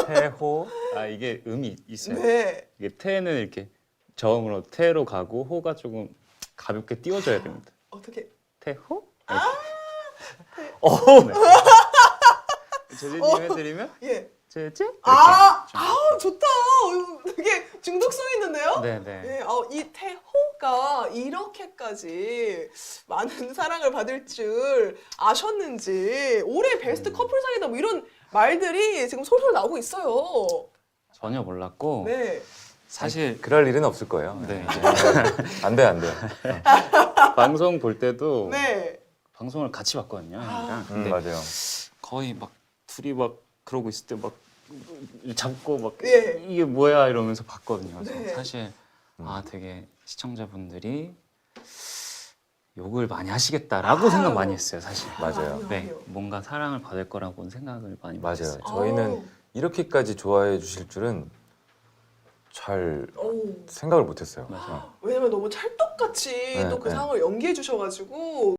태호. 아 이게 음이 있어요. 네. 이게 태는 이렇게 저음으로 태로 가고 호가 조금 가볍게 띄워줘야 됩니다. 어떻게? 태호? 어. 네. 제재님 해드리면 예. 제재? 이렇게. 좋다. 되게 중독성 있는데요? 네네. 네, 이 태호가 이렇게까지 많은 사랑을 받을 줄 아셨는지 올해 베스트 커플상이다 뭐 이런 말들이 지금 솔솔 나오고 있어요. 전혀 몰랐고 네. 사실 그럴 일은 없을 거예요. 네, 안 돼, 안 돼. 방송 볼 때도 네. 방송을 같이 봤거든요. 형이랑. 근데 맞아요. 거의 막 둘이 막 그러고 있을 때 막 잡고 막 예. 이게 뭐야 이러면서 봤거든요. 그래서 네. 사실 되게 시청자분들이 욕을 많이 하시겠다라고 생각 많이 했어요, 사실. 맞아요. 아니요, 네, 아니요. 뭔가 사랑을 받을 거라고는 생각을 많이 맞아요. 못했어요. 저희는 이렇게까지 좋아해 주실 줄은 잘 생각을 못했어요. 맞아요. 왜냐면 너무 찰떡같이 네, 또 그 네. 상황을 연기해 주셔가지고